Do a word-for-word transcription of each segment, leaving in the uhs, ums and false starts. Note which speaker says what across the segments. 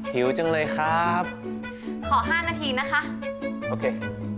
Speaker 1: หิวจังเลยครับ
Speaker 2: ขอห้านาทีนะคะ
Speaker 1: โอเค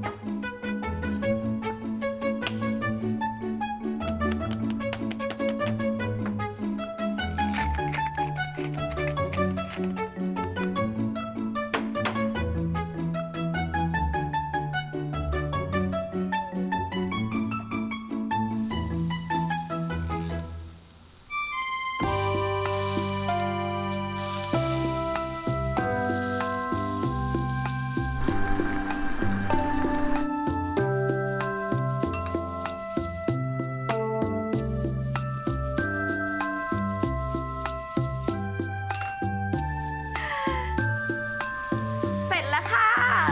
Speaker 2: เสร็จแล้วค่ะ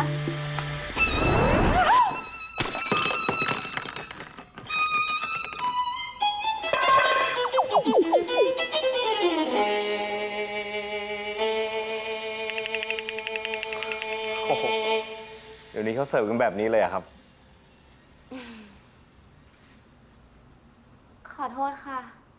Speaker 1: โอ้โหเดี๋ยวนี้เขาเสิร์ฟกันแบบนี้เลยอะครับ
Speaker 2: ขอโทษค่ะ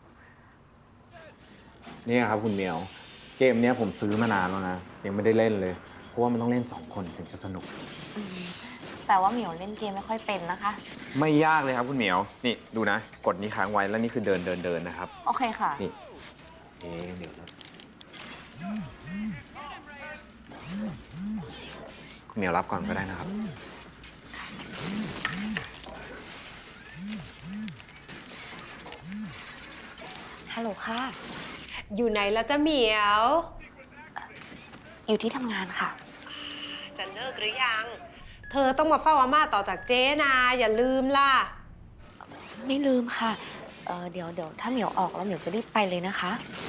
Speaker 3: นี่ครับคุณเหมียว เกมเนี้ยผมซื้อมานานแล้วนะยังไม่ได้เล่นเลย เพราะว่ามันต้องเล่นสองคนถึงจะสนุก
Speaker 2: แต่ว่าเหมียวเล่นเกมไม่ค่อยเป็นนะคะ
Speaker 3: ไม่ยากเลยครับคุณเหมียว นี่ดูนะ กดนี้ค้างไว้แล้วนี่คือเดินเดินเดินนะครับ
Speaker 2: โอเคค่ะ
Speaker 3: นี่เอ๊ะเดี๋ยวนะคุณเหมียวรับก่อนก็ได้นะครับ
Speaker 2: ฮัลโหลค่ะ
Speaker 4: อยู่ไหนแล้วจ้าเหมียว
Speaker 2: อยู่ที่ทำงานค่ะ
Speaker 4: จะเลิกหรือยัง เธอต้องมาเฝ้าอาม่าต่อจากเจ๊นะอย่าลืมล่ะ
Speaker 2: ไม่ลืมค่ะ เออเดี๋ยวเดี๋ยวถ้าเหมียวออกแล้วเหมียวจะรีบไปเลยนะคะ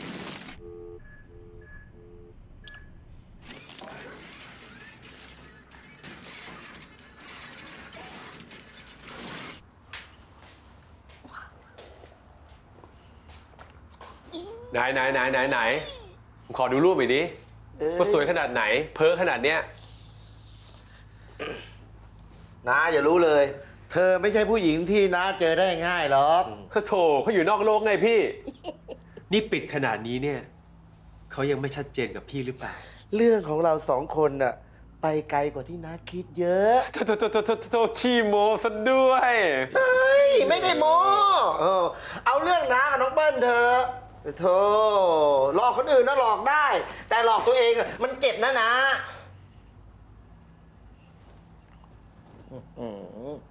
Speaker 5: ไหนไหนไหนไหนไหนผมขอดูรูปหน่อยดิว่าสวยขนาดไหน เพ้อขนาดเนี้ย
Speaker 6: น้าอย่ารู้เลย เธอไม่ใช่ผู้หญิงที่น้าเจอได้ง่ายหรอก
Speaker 5: โถเขาอยู่นอกโลกไงพี่ นี่ปิดขนาดนี้เนี่ยเขายังไม่ชัดเจนกับพี่หรือเปล่า
Speaker 6: เรื่องของเราสองคนน่ะไปไกลกว่าที่น้าคิดเยอะ
Speaker 5: โถโถโถโถโถโถขี้โมซะด้วย
Speaker 6: เฮ้ยไม่ได้โม้เออเอาเรื่องน้ากับน้องเปิ้ลเธอะโธ่หลอกคนอื่นน่ะหลอกได้ แต่หลอกตัวเองอะมันเจ็บนะนะอื้อหือ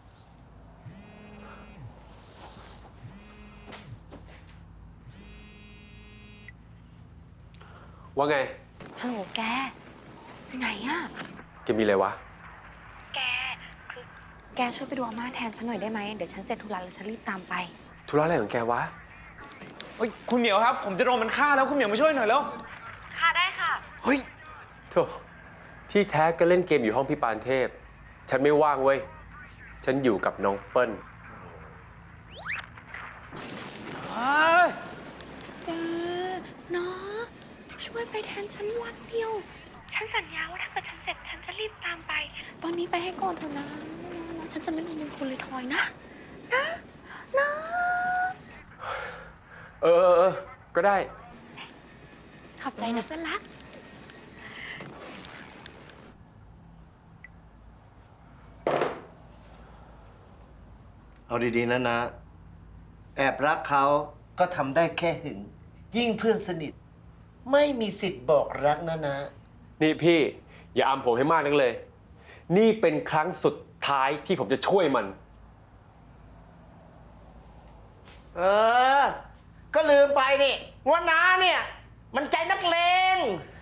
Speaker 5: ว่าไง
Speaker 2: ฮัลโหลแกอยู่ไหนอะ
Speaker 5: แกมีอะไรวะ
Speaker 2: แก คือ แกช่วยไปดูอาม่าแทนฉันหน่อยได้ไหม เดี๋ยวฉันเสร็จธุระแล้วฉันรีบตามไป
Speaker 5: ธุระอะไรของแกวะ
Speaker 3: เฮ้ยคุณเหมียวครับ ผมจะโดนมันฆ่าแล้วคุณเหมียวมาช่วยหน่อยแล้ว
Speaker 2: ค่ะได้ค่ะ
Speaker 3: เฮ้ย
Speaker 5: โถที่แท้ก็เล่นเกมอยู่ห้องพี่ปานเทพ ฉันไม่ว่างเว้ย ฉันอยู่กับน้องเปิ้ล
Speaker 2: แกเนาะช่วยไปแทนฉันวันเดียว ฉันสัญญาว่าถ้าเกิดฉันเสร็จฉันจะรีบตามไป ตอนนี้ไปให้ก่อนเถอะนะนะฉันจะไม่ลืมคุณเลยทอยนะ นะนะ
Speaker 5: เออเออเออก็ได้
Speaker 2: ขอบใจนะเพื่อนรัก
Speaker 6: เอาดีๆนะนะ แอบรักเขาก็ทำได้แค่หึง ยิ่งเพื่อนสนิท ไม่มีสิทธิ์บอกรักนะนะ
Speaker 5: นี่พี่ อย่าอำผมให้มากนักเลย นี่เป็นครั้งสุดท้ายที่ผมจะช่วยมัน
Speaker 6: เออ ก็ลืมไปนี่ว่าน้าเนี่ย มันใจนักเลง